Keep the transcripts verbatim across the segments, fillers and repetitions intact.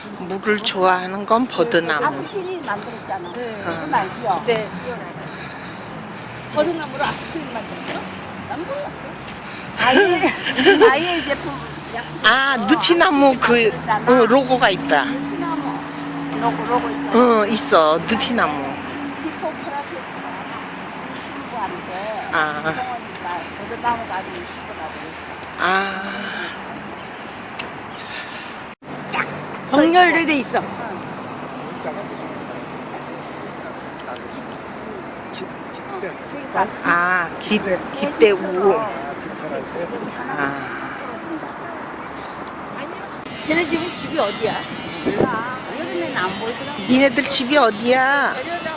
물을 좋아하는 건 버드나무. 아스피린 만들었잖아. 네. 어. 그건 알지요? 네. 버드나무로 아스피린 만들었어? 난 몰랐어. 아예 아예 제품. 아, 느티나무 그 어, 로고가 있다. 느티나무 로고 로고 있어. 어, 있어. 느티나무. 히포크라테스가 신부한테 아. 성원이가 버드나무 가지고 신부라고 했어. 아, 정렬돼 돼 있어. 그러니까 아, 기, 기대 우. 아, 쟤네 집은 집이 어디야? 몰라. 여름에는 안 보이더라고. 니네들 집이 어디야?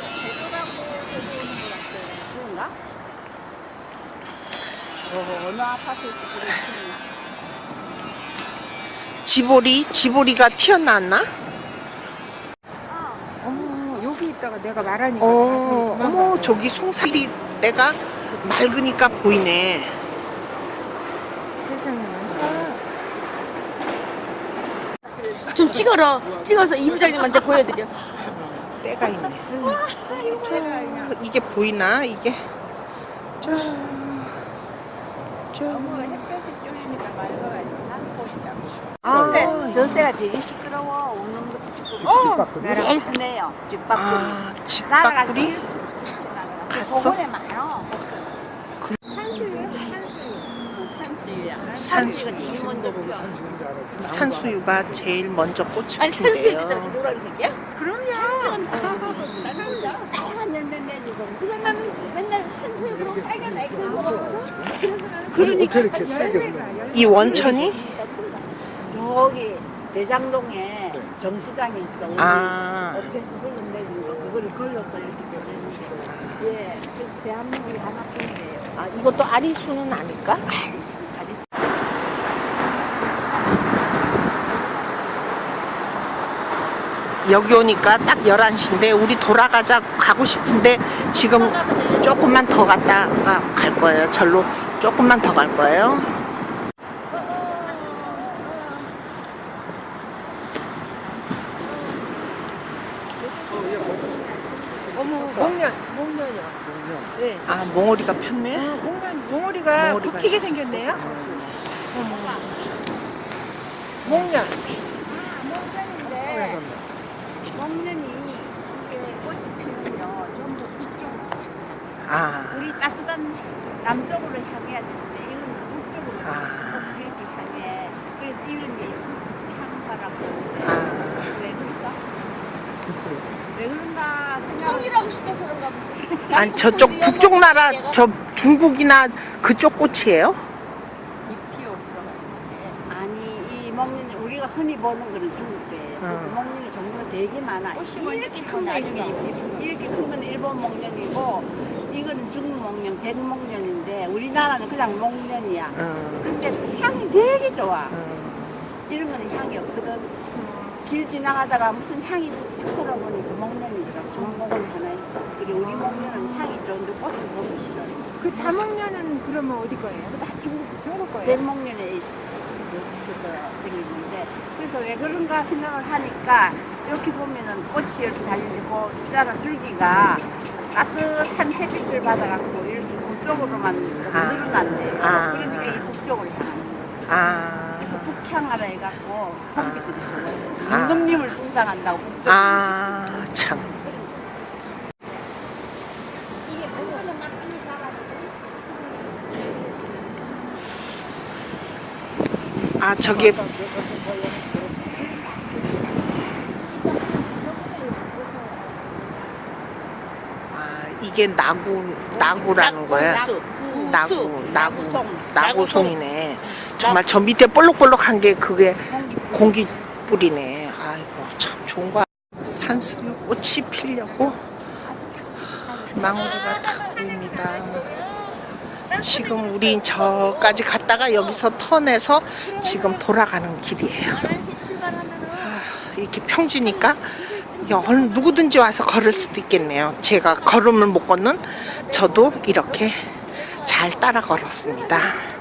그런가? 어, 어느 아파트에서 그랬지? 지보리? 지보리가 튀어나왔나? 어, 여기 있다가 내가 말하니까. 어, 어머, 저기 송사리 내가 맑으니까 보이네. 세상에 많다. 좀 찍어라. 찍어서 이부장님한테 보여드려. 때가 있네. 저, 이게 보이나? 이게? 저, 저. 햇볕이 쬐니까 맑아가지고 난 보인다고. 아, 전세가 되게 시끄러워. 오는 것도 시끄럽고. 제일 흔해요. 집밥풀이. 아, 집밥구리? 갔어? 고건에 많아. 그- 산수유? 산수유야. 산수. 산수유가 제일 먼저 보여. 산수유가 제일 먼저 꽃을 아니 산수유도 저렇게 핀대요. 노란색이야? 그럼요. 다양한 열매 내리고. 그래서 나는 맨날 산수유 그런 빨간 아이들 먹었거든. 그러니까 이렇게 세게 흘러. 이 원천이? 저기 대장동에 정수장이 있어. 우리 아. 옆에서 흘러내리는 거 그거를 걸러서 이렇게 되는데. 예, 그래서 대한민국이 하나뿐이에요. 아, 이것도 아리수는 아닐까? 아리수, 아리수. 여기 오니까 딱 열한 시인데 우리 돌아가자 가고 싶은데 지금 조금만 더 갔다가 갈 거예요. 절로 조금만 더 갈 거예요. 어머 목련, 목련이요. 네. 아, 몽오리가 폈네? 아, 목련, 몽오리가 몽오리가 굽히게 있어. 생겼네요. 어머. 목련. 먹는데 먹는이 이게 꽃이 피면요 전부 북쪽으로 갑니다. 아, 우리 따뜻한 남쪽으로 향해야 되는데 이거는 북쪽으로 아. 꽃이 이렇게 향해. 그래서 이름이 향바라고. 아. 왜 그럴까? 왜 그런가 생각을 똥이라고 싶어서 그런가 보지. 아니 저쪽 북쪽 나라 저 중국이나 그쪽 꽃이에요? 잎이 없어. 아니 이 먹는 우리가 흔히 보는 거는 중국이에요. 어. 먹는 종류가 되게 많아. 이렇게 큰 거 나중에 있어. 이렇게 큰 거는 일본 목련이고 이거는 중국 목련, 백목련인데 우리나라는 그냥 목련이야. 어, 근데 향이 되게 좋아. 어. 이런 거는 향이 없거든. 길 지나가다가 무슨 향이 싹 돌아보니까 목련이더라고. 종목은 하나 있어. 그리고 우리 목련은 향이 좋은데 꽃을 보기 싫어요. 그 자목련은 그러면 어디 거예요? 다 중국 중국 거예요? 백목련에 시켜서 생기는데 그래서 왜 그런가 생각을 하니까 이렇게 보면은 꽃이 이렇게 달려있고 있잖아 줄기가 따뜻한 햇빛을 받아갖고 이렇게 북쪽으로만 아. 늘어난대요. 아. 그러니까 이 북쪽으로 향하는 거예요. 아, 그래서 북향하라 해갖고 선비들이 좋아해요. 아. 임금님을 숭상한다고 북쪽. 아, 참. 이게 그거는 막 아, 저기 아, 이게 나구 나구라는 거야. 수. 나구, 나구, 나구송. 나구송이네. 정말 저 밑에 볼록볼록한 게 그게 공기 뿌리네. 아이고, 참 좋은 거야. 산수유 꽃이 피려고 망우리가 다 보입니다. 지금 우리 저까지 갔다가 여기서 턴해서 지금 돌아가는 길이에요. 아, 이렇게 평지니까 누구든지 와서 걸을 수도 있겠네요. 제가 걸음을 못 걷는 저도 이렇게 잘 따라 걸었습니다.